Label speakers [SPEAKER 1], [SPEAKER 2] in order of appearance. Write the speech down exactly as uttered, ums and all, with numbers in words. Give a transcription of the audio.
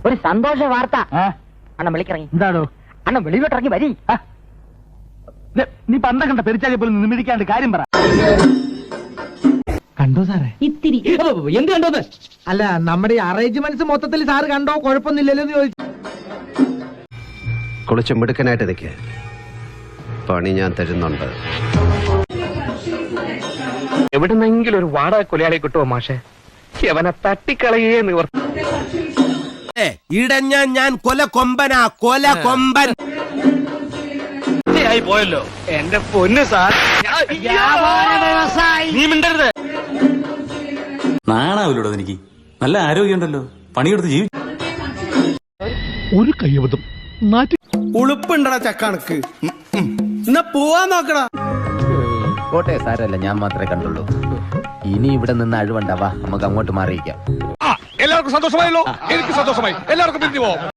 [SPEAKER 1] ഒരു സന്തോഷ വാർത്ത. അണ്ണൻ വിളിക്കിറങ്ങി.
[SPEAKER 2] എന്താണോ?
[SPEAKER 1] അണ്ണൻ വെളിയിലോട്ടിറങ്ങി വരി.
[SPEAKER 2] നീ പണ്ട കണ്ട പെരിച്ചാലി പോലും നിമിടിക്കാണ്ട് കാര്യം പറ. കണ്ടോ സാറേ?
[SPEAKER 1] ഇത്തിരി. എന്ത് കണ്ടോന്ന്?
[SPEAKER 2] അല്ല, നമ്മുടെ അറേഞ്ച്മെന്റ്സ് മൊത്തത്തിൽ സാറ് കണ്ടോ? കുഴപ്പമൊന്നുമില്ലല്ലോ എന്ന് ചോദിച്ചു.
[SPEAKER 3] കുളിച്ച് മിടുക്കനായിട്ട് നിൽക്കുക. പണി ഞാൻ തരുന്നുണ്ട്.
[SPEAKER 4] എവിടുന്നെങ്കിലും ഒരു വാടക കൊലയാളി കിട്ടുമോ മാഷെ? അവനെ തട്ടിക്കളയേ നിവർ.
[SPEAKER 5] ഇടഞ്ഞ ഞാൻ കൊല കൊമ്പനാ, കൊല കൊമ്പൻ
[SPEAKER 4] ആയി പോയല്ലോ എന്റെ പൊന്ന് സാർ. നീ മിണ്ടരുത്.
[SPEAKER 6] നാണാവില്ലോടോ എനിക്ക്. നല്ല ആരോഗ്യമുണ്ടല്ലോ, പണിയെടുത്ത് ജീവി.
[SPEAKER 2] ഒരു കയ്യബദ്ധം.
[SPEAKER 5] ഉളുപ്പുണ്ടടാ ചക്കണക്ക്. എന്നാ പോവാൻ നോക്കടാ.
[SPEAKER 7] കോട്ടെ സാരല്ല, ഞാൻ മാത്രമേ കണ്ടുള്ളൂ. ഇനി ഇവിടെ നിന്ന് അഴിവണ്ടാവാ, നമുക്ക് അങ്ങോട്ട് മാറിയിക്കാം.
[SPEAKER 4] എല്ലാവർക്കും സന്തോഷമായല്ലോ. എനിക്ക് സന്തോഷമായി. എല്ലാവർക്കും പിരിഞ്ഞു പോവാം.